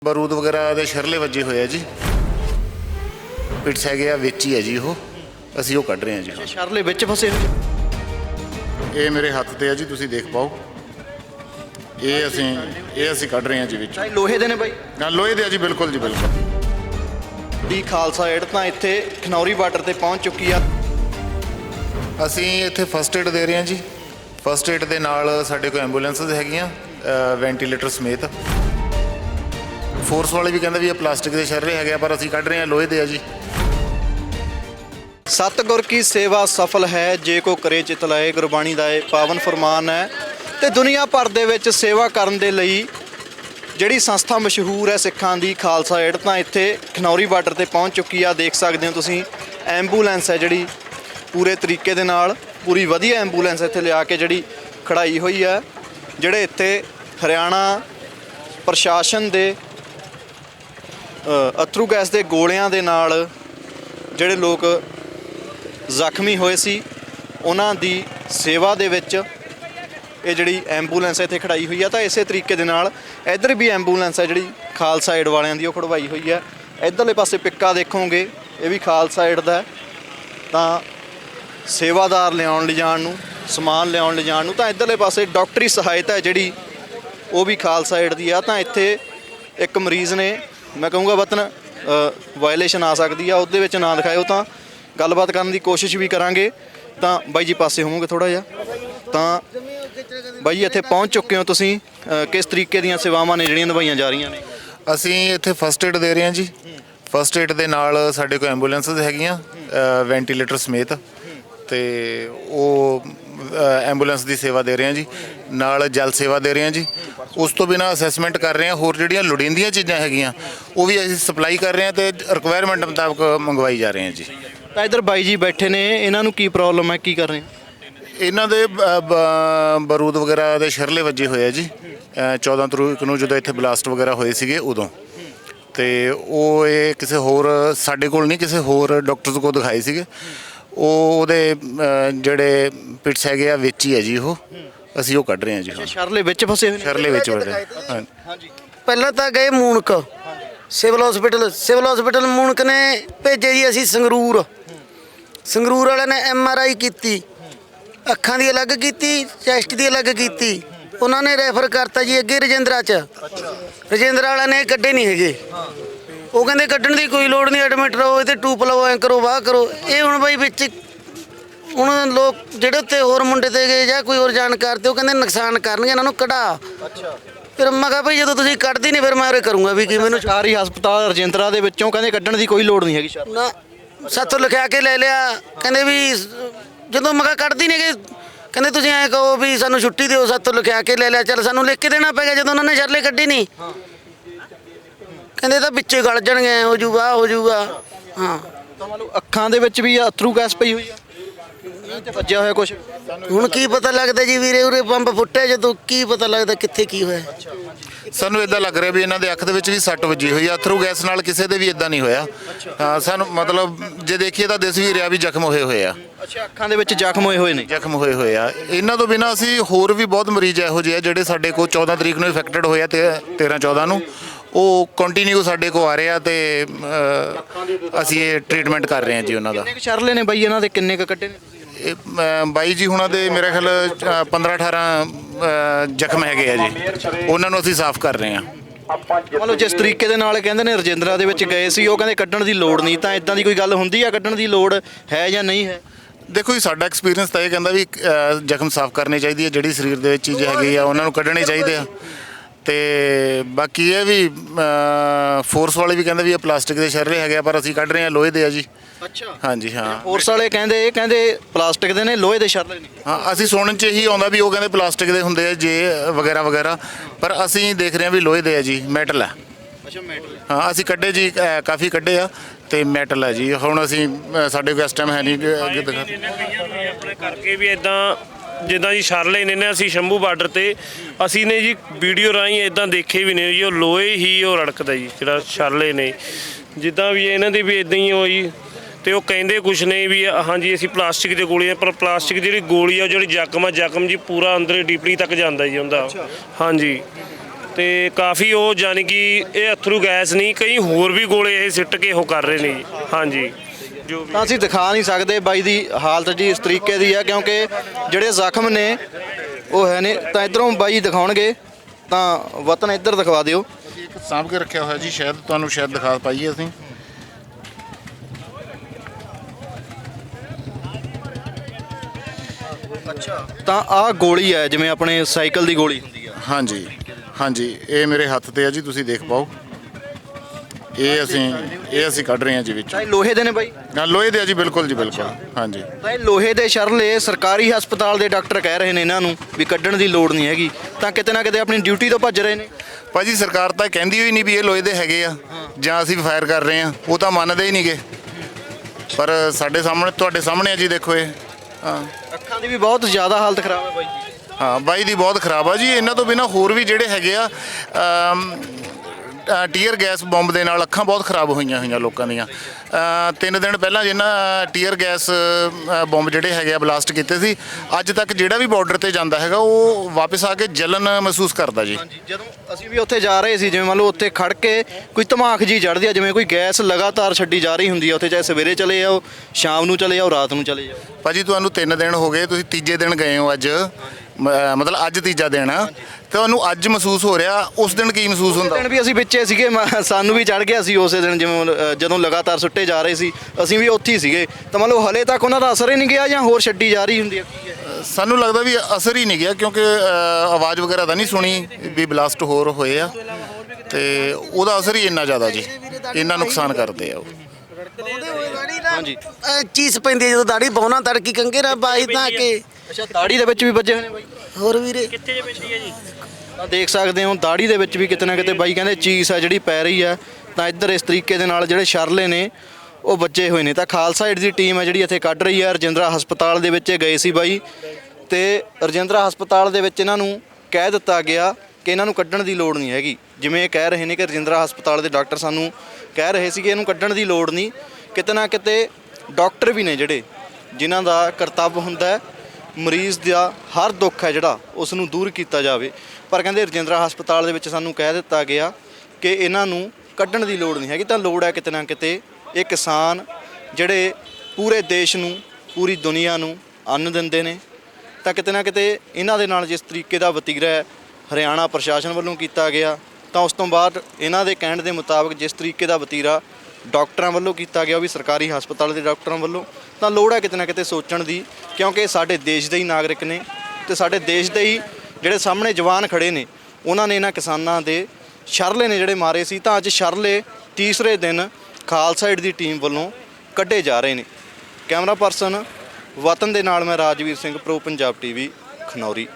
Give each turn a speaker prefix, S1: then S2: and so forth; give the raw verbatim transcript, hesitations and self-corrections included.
S1: ਬਾਰੂਦ ਵਗੈਰਾ ਦੇ ਸ਼ਰਲੇ ਵੱਜੇ ਹੋਏ ਆ ਜੀ। ਪਿਟਸ ਹੈਗੇ ਆ ਵਿੱਚ ਹੀ ਹੈ ਜੀ, ਉਹ ਅਸੀਂ ਉਹ ਕੱਢ ਰਹੇ ਹਾਂ ਜੀ।
S2: ਸ਼ਰਲੇ ਵਿੱਚ ਫਸੇ ਹੋਏ?
S1: ਇਹ ਮੇਰੇ ਹੱਥ ਤੇ ਆ ਜੀ, ਤੁਸੀਂ ਦੇਖ ਪਾਓ। ਇਹ ਅਸੀਂ ਇਹ ਅਸੀਂ ਕੱਢ ਰਹੇ ਹਾਂ ਜੀ ਵਿੱਚ।
S2: ਲੋਹੇ ਦੇ ਨੇ ਬਾਈ?
S1: ਹਾਂ, ਲੋਹੇ ਦੇ ਆ ਜੀ, ਬਿਲਕੁਲ ਜੀ ਬਿਲਕੁਲ।
S2: ਦੀ ਖਾਲਸਾ ਏਡ ਤਾਂ ਇੱਥੇ ਖਨੌਰੀ ਬਾਰਡਰ ਤੇ ਪਹੁੰਚ ਚੁੱਕੀ ਆ।
S1: ਅਸੀਂ ਇੱਥੇ ਫਸਟ ਏਡ ਦੇ ਰਹੇ ਹਾਂ ਜੀ। ਫਸਟ ਏਡ ਦੇ ਨਾਲ ਸਾਡੇ ਕੋਲ ਐਂਬੂਲੈਂਸਿਸ ਹੈਗੀਆਂ, ਵੈਂਟੀਲੇਟਰ ਸਮੇਤ। ਫੋਰਸ ਵਾਲੇ ਵੀ ਕਹਿੰਦੇ ਵੀ ਇਹ ਪਲਾਸਟਿਕ ਦੇ ਸ਼ਰਲੇ ਹੈਗੇ ਆ, ਪਰ ਅਸੀਂ ਕੱਢ ਰਹੇ ਹਾਂ ਲੋਹੇ ਦੇ ਆ ਜੀ।
S2: ਸਤਿਗੁਰ ਕੀ ਸੇਵਾ ਸਫਲ ਹੈ, ਜੇ ਕੋ ਕਰੇ ਚਿਤ ਲਾਏ, ਗੁਰਬਾਣੀ ਦਾ ਇਹ ਪਾਵਨ ਫਰਮਾਨ ਹੈ। ਤੇ ਦੁਨੀਆ ਭਰ ਦੇ ਵਿੱਚ ਸੇਵਾ ਕਰਨ ਦੇ ਲਈ ਜਿਹੜੀ ਸੰਸਥਾ ਮਸ਼ਹੂਰ ਹੈ ਸਿੱਖਾਂ ਦੀ, ਖਾਲਸਾ ਏਡ, ਤਾਂ ਇੱਥੇ ਖਨੌਰੀ ਬਾਰਡਰ ਤੇ ਪਹੁੰਚ ਚੁੱਕੀ ਆ। ਦੇਖ ਸਕਦੇ ਹੋ ਤੁਸੀਂ, ਐਂਬੂਲੈਂਸ ਹੈ ਜਿਹੜੀ ਪੂਰੇ ਤਰੀਕੇ ਦੇ ਨਾਲ, ਪੂਰੀ ਵਧੀਆ ਐਂਬੂਲੈਂਸ ਇੱਥੇ ਲਿਆ ਕੇ ਜਿਹੜੀ ਖੜਾਈ ਹੋਈ ਹੈ। ਜਿਹੜੇ ਇੱਥੇ ਹਰਿਆਣਾ ਪ੍ਰਸ਼ਾਸਨ ਦੇ ਅਥਰੂ ਗੈਸ ਦੇ ਗੋਲਿਆਂ ਦੇ ਨਾਲ ਜਿਹੜੇ ਲੋਕ ਜ਼ਖਮੀ ਹੋਏ ਸੀ, ਉਹਨਾਂ ਦੀ ਸੇਵਾ ਦੇ ਵਿੱਚ ਇਹ ਜਿਹੜੀ ਐਂਬੂਲੈਂਸ ਇੱਥੇ ਖੜਾਈ ਹੋਈ ਆ। ਤਾਂ ਇਸੇ ਤਰੀਕੇ ਦੇ ਨਾਲ ਇੱਧਰ ਵੀ ਐਂਬੂਲੈਂਸ ਹੈ ਜਿਹੜੀ ਖਾਲਸਾ ਏਡ ਵਾਲਿਆਂ ਦੀ, ਉਹ ਖੜਵਾਈ ਹੋਈ ਹੈ। ਇੱਧਰਲੇ ਪਾਸੇ ਪਿੱਕਾ ਦੇਖੋਗੇ, ਇਹ ਵੀ ਖਾਲਸਾ ਏਡ ਦਾ। ਤਾਂ ਸੇਵਾਦਾਰ ਲਿਆਉਣ ਲਿਜਾਣ ਨੂੰ, ਸਮਾਨ ਲਿਆਉਣ ਲਿਜਾਣ ਨੂੰ, ਤਾਂ ਇੱਧਰਲੇ ਪਾਸੇ ਡਾਕਟਰੀ ਸਹਾਇਤਾ ਹੈ ਜਿਹੜੀ, ਉਹ ਵੀ ਖਾਲਸਾ ਏਡ ਦੀ ਆ। ਤਾਂ ਇੱਥੇ ਇੱਕ ਮਰੀਜ਼ ਨੇ, ਮੈਂ ਕਹੂੰਗਾ ਵਤਨ ਵਾਇਲੇਸ਼ਨ ਆ ਸਕਦੀ ਆ, ਉਹਦੇ ਵਿੱਚ ਨਾ ਦਿਖਾਇਓ। ਤਾਂ ਗੱਲਬਾਤ ਕਰਨ ਦੀ ਕੋਸ਼ਿਸ਼ ਵੀ ਕਰਾਂਗੇ। ਤਾਂ ਬਾਈ ਜੀ ਪਾਸੇ ਹੋਵੋਗੇ ਥੋੜ੍ਹਾ ਜਿਹਾ। ਤਾਂ ਬਾਈ ਜੀ ਇੱਥੇ ਪਹੁੰਚ ਚੁੱਕੇ ਹੋ ਤੁਸੀਂ, ਕਿਸ ਤਰੀਕੇ ਦੀਆਂ ਸੇਵਾਵਾਂ ਨੇ ਜਿਹੜੀਆਂ ਨਿਭਾਈਆਂ ਜਾ ਰਹੀਆਂ ਨੇ?
S1: ਅਸੀਂ ਇੱਥੇ ਫਸਟ ਏਡ ਦੇ ਰਹੇ ਹਾਂ ਜੀ। ਫਸਟ ਏਡ ਦੇ ਨਾਲ ਸਾਡੇ ਕੋਲ ਐਂਬੂਲੈਂਸਿਸ ਹੈਗੀਆਂ, ਵੈਂਟੀਲੇਟਰ ਸਮੇਤ। ਅਤੇ ਉਹ ਐਂਬੂਲੈਂਸ ਦੀ ਸੇਵਾ ਦੇ ਰਹੇ ਹਾਂ ਜੀ, ਨਾਲ ਜਲ ਸੇਵਾ ਦੇ ਰਹੇ ਹਾਂ ਜੀ। ਉਸ ਤੋਂ ਬਿਨਾਂ ਅਸੈਸਮੈਂਟ ਕਰ ਰਹੇ ਹਾਂ। ਹੋਰ ਜਿਹੜੀਆਂ ਲੋੜੀਂਦੀਆਂ ਚੀਜ਼ਾਂ ਹੈਗੀਆਂ ਉਹ ਵੀ ਅਸੀਂ ਸਪਲਾਈ ਕਰ ਰਹੇ ਹਾਂ ਅਤੇ ਰਿਕੁਆਇਰਮੈਂਟ ਮੁਤਾਬਕ ਮੰਗਵਾਈ ਜਾ ਰਹੇ ਹਾਂ ਜੀ।
S2: ਤਾਂ ਇੱਧਰ ਬਾਈ ਜੀ ਬੈਠੇ ਨੇ, ਇਹਨਾਂ ਨੂੰ ਕੀ ਪ੍ਰੋਬਲਮ ਹੈ, ਕੀ ਕਰ ਰਹੇ?
S1: ਇਹਨਾਂ ਦੇ ਬਾਰੂਦ ਵਗੈਰਾ ਦੇ ਸ਼ਰਲੇ ਵੱਜੇ ਹੋਏ ਆ ਜੀ। ਚੌਦਾਂ ਤਰੀਕ ਨੂੰ ਜਦੋਂ ਇੱਥੇ ਬਲਾਸਟ ਵਗੈਰਾ ਹੋਏ ਸੀਗੇ ਉਦੋਂ, ਅਤੇ ਉਹ ਇਹ ਕਿਸੇ ਹੋਰ, ਸਾਡੇ ਕੋਲ ਨਹੀਂ, ਕਿਸੇ ਹੋਰ ਡਾਕਟਰਸ ਕੋਲ ਦਿਖਾਏ ਸੀਗੇ। ਉਹ ਉਹਦੇ ਜਿਹੜੇ ਪਿਟਸ ਹੈਗੇ ਆ ਵਿੱਚ ਹੀ ਹੈ ਜੀ, ਉਹ ਅਸੀਂ ਉਹ ਕੱਢ ਰਹੇ ਹਾਂ ਜੀ।
S2: ਸ਼ਰਲੇ ਵਿੱਚ ਫਸੇ ਹੋਏ ਨੇ?
S1: ਸ਼ਰਲੇ ਵਿੱਚ ਵਜੇ।
S2: ਹਾਂਜੀ।
S3: ਪਹਿਲਾਂ ਤਾਂ ਗਏ Moonak civil hospital, civil hospital Moonak ਨੇ ਭੇਜੇ ਜੀ ਅਸੀਂ ਸੰਗਰੂਰ। ਸੰਗਰੂਰ ਵਾਲਿਆਂ ਨੇ ਐਮ ਆਰ ਆਈ ਕੀਤੀ, ਅੱਖਾਂ ਦੀ ਅਲੱਗ ਕੀਤੀ, ਚੈਸਟ ਦੀ ਅਲੱਗ ਕੀਤੀ। ਉਹਨਾਂ ਨੇ ਰੈਫਰ ਕਰਤਾ ਜੀ ਅੱਗੇ ਰਜਿੰਦਰਾ 'ਚ। ਰਜਿੰਦਰਾ ਵਾਲਿਆਂ ਨੇ ਕੱਢੇ ਨਹੀਂ ਹੈਗੇ। ਉਹ ਕਹਿੰਦੇ ਕੱਢਣ ਦੀ ਕੋਈ ਲੋੜ ਨਹੀਂ, ਐਡਮਿਟ ਰਹੋ, ਇਹ 'ਤੇ ਟੂਪ ਲਵੋ, ਐਂ ਕਰੋ, ਵਾਹ ਕਰੋ। ਇਹ ਹੁਣ ਬਾਈ ਵਿੱਚ ਹੁਣ ਲੋਕ ਜਿਹੜੇ ਉੱਤੇ ਹੋਰ ਮੁੰਡੇ 'ਤੇ ਗਏ ਜਾਂ ਕੋਈ ਹੋਰ ਜਾਣਕਾਰ 'ਤੇ, ਉਹ ਕਹਿੰਦੇ ਨੁਕਸਾਨ ਕਰਨਗੇ, ਇਹਨਾਂ ਨੂੰ ਕਢਾ। ਫਿਰ ਮੈਂ ਕਿਹਾ ਭਾਈ ਜਦੋਂ ਤੁਸੀਂ ਕੱਢਦੀ ਨਹੀਂ ਫਿਰ ਮੈਂ ਉਰੇ ਕਰੂੰਗਾ ਵੀ ਕੀ। ਮੈਨੂੰ
S2: ਸਰਕਾਰੀ ਹਸਪਤਾਲ ਰਜਿੰਦਰਾ ਦੇ ਵਿੱਚੋਂ ਕਹਿੰਦੇ ਕੱਢਣ ਦੀ ਕੋਈ ਲੋੜ ਨਹੀਂ ਹੈਗੀ।
S3: ਨਾ ਸਾਥੋਂ ਲਿਖਿਆ ਕੇ ਲੈ ਲਿਆ। ਕਹਿੰਦੇ ਵੀ ਜਦੋਂ ਮੈਂ ਕਿਹਾ ਕੱਢਦੀ ਨਹੀਂ ਗਏ, ਕਹਿੰਦੇ ਤੁਸੀਂ ਐਂ ਕਹੋ ਵੀ ਸਾਨੂੰ ਛੁੱਟੀ ਦਿਓ, ਸਾਥੋਂ ਲਿਖਿਆ ਕੇ ਲੈ ਲਿਆ। ਚੱਲ ਸਾਨੂੰ ਲਿਖ ਕੇ ਦੇਣਾ ਪੈ ਗਿਆ ਜਦੋਂ ਉਹਨਾਂ ਨੇ ਸ਼ਰਲੇ ਕੱਢੀ ਨਹੀਂ। ਕਹਿੰਦੇ ਤਾਂ ਵਿੱਚੇ ਗਲ ਜਾਣਗੇ, ਹੋ ਜੂਗਾ ਹੋ ਜੂਗਾ। ਹਾਂ,
S2: ਤਾਂ ਮੰਨ ਲਓ ਅੱਖਾਂ ਦੇ ਵਿੱਚ ਵੀ ਅਥਰੂ ਗੈਸ ਪਈ ਹੋਈ ਆ, ਤੇ ਵੱਜਿਆ ਹੋਇਆ ਕੁਛ।
S3: ਹੁਣ ਕੀ ਪਤਾ ਲੱਗਦਾ ਜੀ ਵੀਰੇ, ਉਰੇ ਬੰਬ ਫੁੱਟਿਆ ਜਦੋਂ, ਕੀ ਪਤਾ ਲੱਗਦਾ ਕਿੱਥੇ ਕੀ ਹੋਇਆ।
S1: ਸਾਨੂੰ ਇੱਦਾਂ ਲੱਗ ਰਿਹਾ ਵੀ ਇਹਨਾਂ ਦੇ ਅੱਖ ਦੇ ਵਿੱਚ ਵੀ ਸੱਟ ਵੱਜੀ ਹੋਈ ਆ। ਅਥਰੂ ਗੈਸ ਨਾਲ ਕਿਸੇ ਦੇ ਵੀ ਇੱਦਾਂ ਨਹੀਂ ਹੋਇਆ। ਹਾਂ, ਸਾਨੂੰ ਮਤਲਬ ਜੇ ਦੇਖੀਏ ਤਾਂ ਦਿਸ ਵੀ ਰਿਹਾ ਵੀ ਜ਼ਖਮ ਹੋਏ ਹੋਏ ਆ।
S2: ਅੱਛਾ, ਅੱਖਾਂ ਦੇ ਵਿੱਚ ਜ਼ਖਮ ਹੋਏ ਹੋਏ ਨੇ? ਜ਼ਖਮ
S1: ਹੋਏ ਹੋਏ ਆ। ਇਹਨਾਂ ਤੋਂ ਬਿਨਾਂ ਅਸੀਂ ਹੋਰ ਵੀ ਬਹੁਤ ਮਰੀਜ਼ ਇਹੋ ਜਿਹੇ ਆ ਜਿਹੜੇ ਸਾਡੇ ਕੋਲ ਚੌਦਾਂ ਤਰੀਕ ਨੂੰ ਇਫੈਕਟਡ ਹੋਏ ਆ, ਤੇ ਤੇਰ੍ਹਾਂ ਚੌਦਾਂ ਨੂੰ ਉਹ ਕੰਟੀਨਿਊ ਸਾਡੇ ਕੋਲ ਆ ਰਹੇ ਆ, ਅਤੇ ਅਸੀਂ ਇਹ ਟ੍ਰੀਟਮੈਂਟ ਕਰ ਰਹੇ ਹਾਂ ਜੀ ਉਹਨਾਂ ਦਾ।
S2: ਕਿੰਨੇ ਕੁ ਸ਼ਰਲੇ ਨੇ ਬਾਈ ਇਹਨਾਂ ਦੇ, ਕਿੰਨੇ ਕੁ ਕੱਢੇ ਨੇ?
S1: ਇਹ ਬਾਈ ਜੀ ਹੁਣਾਂ ਦੇ ਮੇਰੇ ਖਿਆਲ ਪੰਦਰਾਂ ਅਠਾਰਾਂ ਜ਼ਖਮ ਹੈਗੇ ਆ ਜੀ, ਉਹਨਾਂ ਨੂੰ ਅਸੀਂ ਸਾਫ਼ ਕਰ ਰਹੇ ਹਾਂ।
S2: ਮਤਲਬ ਜਿਸ ਤਰੀਕੇ ਦੇ ਨਾਲ ਕਹਿੰਦੇ ਨੇ ਰਜਿੰਦਰਾ ਦੇ ਵਿੱਚ ਗਏ ਸੀ, ਉਹ ਕਹਿੰਦੇ ਕੱਢਣ ਦੀ ਲੋੜ ਨਹੀਂ, ਤਾਂ ਇਦਾਂ ਦੀ ਕੋਈ ਗੱਲ ਹੁੰਦੀ ਆ, ਕੱਢਣ ਦੀ ਲੋੜ ਹੈ ਜਾਂ ਨਹੀਂ ਹੈ?
S1: ਦੇਖੋ ਜੀ, ਸਾਡਾ ਐਕਸਪੀਰੀਅੰਸ ਤਾਂ ਇਹ ਕਹਿੰਦਾ ਵੀ ਜ਼ਖਮ ਸਾਫ਼ ਕਰਨੇ ਚਾਹੀਦੀ ਹੈ। ਜਿਹੜੀ ਸਰੀਰ ਦੇ ਵਿੱਚ ਚੀਜ਼ ਹੈਗੀ ਆ ਉਹਨਾਂ ਨੂੰ ਕੱਢਣੇ ਚਾਹੀਦੇ ਆ। ਅਤੇ ਬਾਕੀ ਇਹ ਵੀ ਫੋਰਸ ਵਾਲੇ ਵੀ ਕਹਿੰਦੇ ਵੀ ਇਹ ਪਲਾਸਟਿਕ ਦੇ ਸ਼ਰਲੇ ਹੈਗੇ ਆ, ਪਰ ਅਸੀਂ ਕੱਢ ਰਹੇ ਹਾਂ ਲੋਹੇ ਦੇ ਆ ਜੀ।
S2: ਅੱਛਾ।
S1: ਹਾਂਜੀ, ਹਾਂ।
S2: ਫੋਰਸ ਵਾਲੇ ਕਹਿੰਦੇ ਇਹ ਕਹਿੰਦੇ ਪਲਾਸਟਿਕ ਦੇ ਨੇ, ਲੋਹੇ ਦੇ ਸ਼ਰਲੇ ਨੇ।
S1: ਹਾਂ, ਅਸੀਂ ਸੁਣਨ 'ਚ ਇਹੀ ਆਉਂਦਾ ਵੀ ਉਹ ਕਹਿੰਦੇ ਪਲਾਸਟਿਕ ਦੇ ਹੁੰਦੇ ਆ ਜੇ ਵਗੈਰਾ ਵਗੈਰਾ, ਪਰ ਅਸੀਂ ਦੇਖ ਰਹੇ ਹਾਂ ਵੀ ਲੋਹੇ ਦੇ ਆ ਜੀ, ਮੈਟਲ ਹੈ।
S2: ਅੱਛਾ, ਮੈਟਲ।
S1: ਹਾਂ, ਅਸੀਂ ਕੱਢੇ ਜੀ, ਕਾਫੀ ਕੱਢੇ ਆ, ਅਤੇ ਮੈਟਲ ਹੈ ਜੀ। ਹੁਣ ਅਸੀਂ ਸਾਡੇ ਕੋਲ ਇਸ ਟਾਈਮ ਹੈ ਨਹੀਂ ਅੱਗੇ ਦਿਖਾ
S4: ਆਪਣੇ ਕਰਕੇ ਵੀ ਇੱਦਾਂ ਜਿੱਦਾਂ ਜੀ ਸ਼ਰਲੇ ਨੇ, ਅਸੀਂ ਸ਼ੰਭੂ ਬਾਰਡਰ 'ਤੇ ਅਸੀਂ ਨੇ ਜੀ ਵੀਡੀਓ ਰਾਹੀਂ ਇੱਦਾਂ ਦੇਖੇ ਵੀ ਨੇ ਜੀ, ਉਹ ਲੋਹੇ ਹੀ ਉਹ ਰੜਕਦਾ ਜੀ, ਜਿਹੜਾ ਸ਼ਰਲੇ ਨੇ। ਜਿੱਦਾਂ ਵੀ ਇਹਨਾਂ ਦੀ ਵੀ ਇੱਦਾਂ ਹੀ ਹੋਈ, ਅਤੇ ਉਹ ਕਹਿੰਦੇ ਕੁਛ ਨਹੀਂ ਵੀ ਹਾਂਜੀ ਅਸੀਂ ਪਲਾਸਟਿਕ ਦੇ ਗੋਲੀਆਂ, ਪਰ ਪਲਾਸਟਿਕ ਜਿਹੜੀ ਗੋਲੀ ਆ, ਉਹ ਜਿਹੜੀ ਜ਼ਖਮ ਆ, ਜ਼ਖਮ ਜੀ ਪੂਰਾ ਅੰਦਰ ਡੀਪਲੀ ਤੱਕ ਜਾਂਦਾ ਜੀ ਉਹਦਾ। ਹਾਂਜੀ, ਤੇ ਕਾਫੀ ਉਹ ਜਾਨੀ ਕਿ ਇਹ ਅਥਰੂ ਗੈਸ ਨਹੀਂ, ਕਈ ਹੋਰ ਵੀ ਗੋਲੇ ਇਹ ਸਿੱਟ ਕੇ ਉਹ ਕਰ ਰਹੇ ਨੇ ਜੀ। ਹਾਂਜੀ ਜੋ ਵੀ
S2: ਤਾਂ ਅਸੀਂ ਦਿਖਾ ਨਹੀਂ ਸਕਦੇ ਬਾਈ ਦੀ ਹਾਲਤ ਜੀ ਇਸ ਤਰੀਕੇ ਦੀ ਹੈ, ਕਿਉਂਕਿ ਜਿਹੜੇ ਜ਼ਖਮ ਨੇ ਉਹ ਹੈ ਨੇ। ਤਾਂ ਇਧਰੋਂ ਬਾਈ ਦਿਖਾਉਣਗੇ, ਤਾਂ ਵਤਨ ਇੱਧਰ ਦਿਖਵਾ ਦਿਓ।
S1: ਅਸੀਂ ਇੱਕ ਸਾਂਭ ਕੇ ਰੱਖਿਆ ਹੋਇਆ ਜੀ, ਸ਼ਾਇਦ ਤੁਹਾਨੂੰ ਸ਼ਾਇਦ ਦਿਖਾ ਪਾਈਏ ਅਸੀਂ।
S2: ਤਾਂ ਆਹ ਗੋਲੀ ਹੈ ਜਿਵੇਂ ਆਪਣੇ ਸਾਈਕਲ ਦੀ ਗੋਲੀ ਹੁੰਦੀ ਆ।
S1: ਹਾਂਜੀ ਹਾਂਜੀ, ਇਹ ਮੇਰੇ ਹੱਥ ਤੇ ਆ ਜੀ, ਤੁਸੀਂ ਦੇਖ ਪਾਓ। ਇਹ ਅਸੀਂ ਇਹ ਅਸੀਂ ਕੱਢ ਰਹੇ ਹਾਂ ਜੀ ਵਿੱਚੋਂ।
S2: ਤਾਂ ਇਹ ਲੋਹੇ ਦੇ ਨੇ ਬਾਈ?
S1: ਹਾਂ, ਲੋਹੇ ਦੇ ਆ ਜੀ, ਬਿਲਕੁਲ ਜੀ ਬਿਲਕੁਲ। ਹਾਂਜੀ,
S2: ਤਾਂ ਇਹ ਲੋਹੇ ਦੇ ਸ਼ਰਲੇ ਸਰਕਾਰੀ ਹਸਪਤਾਲ ਦੇ ਡਾਕਟਰ ਕਹਿ ਰਹੇ ਨੇ ਇਹਨਾਂ ਨੂੰ ਵੀ ਕੱਢਣ ਦੀ ਲੋੜ ਨਹੀਂ ਹੈਗੀ, ਤਾਂ ਕਿਤੇ ਨਾ ਕਿਤੇ ਆਪਣੀ ਡਿਊਟੀ ਤੋਂ ਭੱਜ ਰਹੇ ਨੇ।
S1: ਭਾਜੀ ਸਰਕਾਰ ਤਾਂ ਕਹਿੰਦੀ ਹੋਈ ਨਹੀਂ ਵੀ ਇਹ ਲੋਹੇ ਦੇ ਹੈਗੇ ਆ ਜਾਂ ਅਸੀਂ ਫਾਇਰ ਕਰ ਰਹੇ ਆ, ਉਹ ਤਾਂ ਮੰਨਦੇ ਹੀ ਨਹੀਂਗੇ। ਪਰ ਸਾਡੇ ਸਾਹਮਣੇ, ਤੁਹਾਡੇ ਸਾਹਮਣੇ ਆ ਜੀ, ਦੇਖੋ ਇਹ। ਹਾਂ
S2: ਅੱਖਾਂ ਦੀ ਵੀ ਬਹੁਤ ਜ਼ਿਆਦਾ ਹਾਲਤ ਖਰਾਬ ਹੈ ਬਾਈ ਜੀ।
S1: ਹਾਂ ਬਾਈ ਦੀ ਬਹੁਤ ਖਰਾਬ ਆ ਜੀ। ਇਹਨਾਂ ਤੋਂ ਬਿਨਾ ਹੋਰ ਵੀ ਜਿਹੜੇ ਹੈਗੇ ਆ, ਅਮ, ਅ, ਟੀਅਰ ਗੈਸ ਬੰਬ ਦੇ ਨਾਲ ਅੱਖਾਂ ਬਹੁਤ ਖਰਾਬ ਹੋਈਆਂ ਹੋਈਆਂ ਲੋਕਾਂ ਦੀਆਂ। ਅ, ਤਿੰਨ ਦਿਨ ਪਹਿਲਾਂ ਜਿਹਨਾਂ ਟੀਅਰ ਗੈਸ ਅ, ਬੰਬ ਜਿਹੜੇ ਹੈਗੇ ਆ ਬਲਾਸਟ ਕੀਤੇ ਸੀ, ਅੱਜ ਤੱਕ ਜਿਹੜਾ ਵੀ ਬਾਰਡਰ ਤੇ ਜਾਂਦਾ ਹੈਗਾ ਉਹ ਵਾਪਸ ਆ ਕੇ ਜਲਨ ਮਹਿਸੂਸ ਕਰਦਾ ਜੀ।
S2: ਹਾਂਜੀ, ਜਦੋਂ ਅਸੀਂ ਵੀ ਉੱਥੇ ਜਾ ਰਹੇ ਸੀ, ਜਿਵੇਂ ਮੰਨ ਲਓ ਉੱਥੇ ਖੜ ਕੇ ਕੋਈ ਧਮਾਕ ਜੀ ਚੜ੍ਹਦੀ ਆ, ਜਿਵੇਂ ਕੋਈ ਗੈਸ ਲਗਾਤਾਰ ਛੱਡੀ ਜਾ ਰਹੀ ਹੁੰਦੀ ਆ ਉੱਥੇ, ਚਾਹੇ ਸਵੇਰੇ ਚਲੇ ਜਾਓ, ਸ਼ਾਮ ਨੂੰ ਚਲੇ ਜਾਓ, ਰਾਤ ਨੂੰ ਚਲੇ ਜਾਓ।
S1: ਭਾਜੀ ਤੁਹਾਨੂੰ ਤਿੰਨ ਦਿਨ ਹੋ ਗਏ, ਤੁਸੀਂ ਤੀਜੇ ਦਿਨ ਗਏ ਹੋ ਅੱਜ, ਮ- ਮਤਲਬ ਅੱਜ ਤੀਜਾ ਦਿਨ ਆ। ਤੁਹਾਨੂੰ ਅੱਜ ਮਹਿਸੂਸ ਹੋ ਰਿਹਾ, ਉਸ ਦਿਨ ਕੀ ਮਹਿਸੂਸ ਹੁੰਦਾ?
S2: ਦਿਨ ਵੀ ਅਸੀਂ ਵਿੱਚੇ ਸੀਗੇ, ਮ- ਸਾਨੂੰ ਵੀ ਚੜ ਗਿਆ ਸੀ ਉਸੇ ਦਿਨ, ਜਿਵੇਂ ਅ, ਜਦੋਂ ਲਗਾਤਾਰ ਸੁੱਟੇ ਜਾ ਰਹੇ ਸੀ ਅਸੀਂ ਵੀ ਉੱਥੇ ਹੀ ਸੀਗੇ। ਤਾਂ ਮੰਨ ਲਓ ਹਲੇ ਤੱਕ ਉਹਨਾਂ ਦਾ ਅਸਰ ਹੀ ਨਹੀਂ ਗਿਆ ਜਾਂ ਹੋਰ ਛੱਡੀ ਜਾ ਰਹੀ ਹੁੰਦੀ ਹੈ? ਕੀ ਹੈ?
S1: ਸਾਨੂੰ ਲੱਗਦਾ ਵੀ ਅਸਰ ਹੀ ਨਹੀਂ ਗਿਆ, ਕਿਉਂਕਿ ਅ, ਆਵਾਜ਼ ਵਗੈਰਾ ਤਾਂ ਨਹੀਂ ਸੁਣੀ ਵੀ ਬਲਾਸਟ ਹੋਰ ਹੋਏ ਆ, ਤੇ ਉਹਦਾ ਅਸਰ ਹੀ ਇੰਨਾ ਜ਼ਿਆਦਾ ਜੀ, ਇੰਨਾ ਨੁਕਸਾਨ ਕਰਦੇ ਆ ਉਹ।
S2: ਹਾਂਜੀ,
S3: ਐ ਚੀਸ ਪੈਂਦੀ ਹੈ ਜਦੋਂ ਦਾੜੀ ਪਾਉਣਾ, ਤੜਕੀ ਕੰਗੇ ਰਾ ਬਾਈ ਤਾਂ ਕੇ।
S2: ਅੱਛਾ, ਦਾੜੀ ਦੇ ਵਿੱਚ ਵੀ ਵੱਜੇ ਹੋਏ ਨੇ ਬਾਈ?
S3: ਹੋਰ ਵੀਰੇ
S4: ਕਿੱਥੇ ਜੇ ਪੈਂਦੀ ਹੈ ਜੀ?
S2: ਤਾਂ ਦੇਖ ਸਕਦੇ ਹੋ ਦਾੜੀ ਦੇ ਵਿੱਚ ਵੀ ਕਿਤੇ ਨਾ ਕਿਤੇ ਬਾਈ ਕਹਿੰਦੇ ਚੀਜ਼ ਆ ਜਿਹੜੀ ਪੈ ਰਹੀ ਆ। ਤਾਂ ਇੱਧਰ ਇਸ ਤਰੀਕੇ ਦੇ ਨਾਲ ਜਿਹੜੇ ਸ਼ਰਲੇ ਨੇ ਉਹ ਵੱਜੇ ਹੋਏ ਨੇ। ਤਾਂ ਖਾਲਸਾ ਏਡ ਦੀ ਟੀਮ ਹੈ ਜਿਹੜੀ ਇੱਥੇ ਕੱਢ ਰਹੀ ਹੈ। ਰਜਿੰਦਰਾ ਹਸਪਤਾਲ ਦੇ ਵਿੱਚ ਇਹ ਗਏ ਸੀ ਬਾਈ, ਤੇ ਰਜਿੰਦਰਾ ਹਸਪਤਾਲ ਦੇ ਵਿੱਚ ਇਹਨਾਂ ਨੂੰ ਕਹਿ ਦਿੱਤਾ ਗਿਆ ਕਿ ਇਹਨਾਂ ਨੂੰ ਕੱਢਣ ਦੀ ਲੋੜ ਨਹੀਂ ਹੈਗੀ। ਜਿਵੇਂ ਇਹ ਕਹਿ ਰਹੇ ਨੇ ਕਿ ਰਜਿੰਦਰਾ ਹਸਪਤਾਲ ਦੇ ਡਾਕਟਰ ਸਾਨੂੰ ਕਹਿ ਰਹੇ ਸੀ ਕਿ ਇਹਨੂੰ ਕੱਢਣ ਦੀ ਲੋੜ ਨਹੀਂ। ਕਿਤੇ ਨਾ ਕਿਤੇ ਡਾਕਟਰ ਵੀ ਨੇ ਜਿਹੜੇ, ਜਿਨ੍ਹਾਂ ਦਾ ਕਰਤੱਵ ਹੁੰਦਾ ਹੈ ਮਰੀਜ਼ ਦਾ ਹਰ ਦੁੱਖ ਹੈ ਜਿਹੜਾ ਉਸ ਨੂੰ ਦੂਰ ਕੀਤਾ ਜਾਵੇ, ਪਰ ਕਹਿੰਦੇ ਰਜਿੰਦਰਾ ਹਸਪਤਾਲ ਦੇ ਵਿੱਚ ਸਾਨੂੰ ਕਹਿ ਦਿੱਤਾ ਗਿਆ ਕਿ ਇਹਨਾਂ ਨੂੰ ਕੱਢਣ ਦੀ ਲੋੜ ਨਹੀਂ ਹੈਗੀ। ਤਾਂ ਲੋੜ ਹੈ ਕਿਤੇ ਨਾ ਕਿਤੇ। ਇਹ ਕਿਸਾਨ ਜਿਹੜੇ ਪੂਰੇ ਦੇਸ਼ ਨੂੰ, ਪੂਰੀ ਦੁਨੀਆ ਨੂੰ ਅੰਨ ਦਿੰਦੇ ਨੇ, ਤਾਂ ਕਿਤੇ ਨਾ ਕਿਤੇ ਇਹਨਾਂ ਦੇ ਨਾਲ ਜਿਸ ਤਰੀਕੇ ਦਾ ਵਤੀਰਾ ਹੈ ਹਰਿਆਣਾ ਪ੍ਰਸ਼ਾਸਨ ਵੱਲੋਂ ਕੀਤਾ ਗਿਆ, ਤਾਂ ਉਸ ਤੋਂ ਬਾਅਦ ਇਹਨਾਂ ਦੇ ਕਹਿਣ ਦੇ ਮੁਤਾਬਕ ਜਿਸ ਤਰੀਕੇ ਦਾ ਵਤੀਰਾ ਡਾਕਟਰਾਂ ਵੱਲੋਂ ਕੀਤਾ ਗਿਆ, ਉਹ ਵੀ ਸਰਕਾਰੀ ਹਸਪਤਾਲ ਦੇ ਡਾਕਟਰਾਂ ਵੱਲੋਂ, ਤਾਂ ਲੋੜ ਹੈ ਕਿਤੇ ਨਾ ਕਿਤੇ ਸੋਚਣ ਦੀ, ਕਿਉਂਕਿ ਸਾਡੇ ਦੇਸ਼ ਦੇ ਹੀ ਨਾਗਰਿਕ ਨੇ, ਤੇ ਸਾਡੇ ਦੇਸ਼ ਦੇ ਹੀ ਜਿਹੜੇ ਸਾਹਮਣੇ ਜਵਾਨ ਖੜੇ ਨੇ, ਉਹਨਾਂ ਨੇ ਇਹਨਾਂ ਕਿਸਾਨਾਂ ਦੇ ਸ਼ਰਲੇ ਨੇ ਜਿਹੜੇ ਮਾਰੇ ਸੀ। ਤਾਂ ਅੱਜ ਸ਼ਰਲੇ ਤੀਸਰੇ ਦਿਨ ਖਾਲਸਾ ਏਡ ਦੀ ਟੀਮ ਵੱਲੋਂ ਕੱਢੇ ਜਾ ਰਹੇ ਨੇ। ਕੈਮਰਾ ਪਰਸਨ ਵਤਨ ਦੇ ਨਾਲ ਮੈਂ ਰਾਜਵੀਰ ਸਿੰਘ, ਪ੍ਰੋ ਪੰਜਾਬ ਟੀਵੀ, ਖਨੌਰੀ।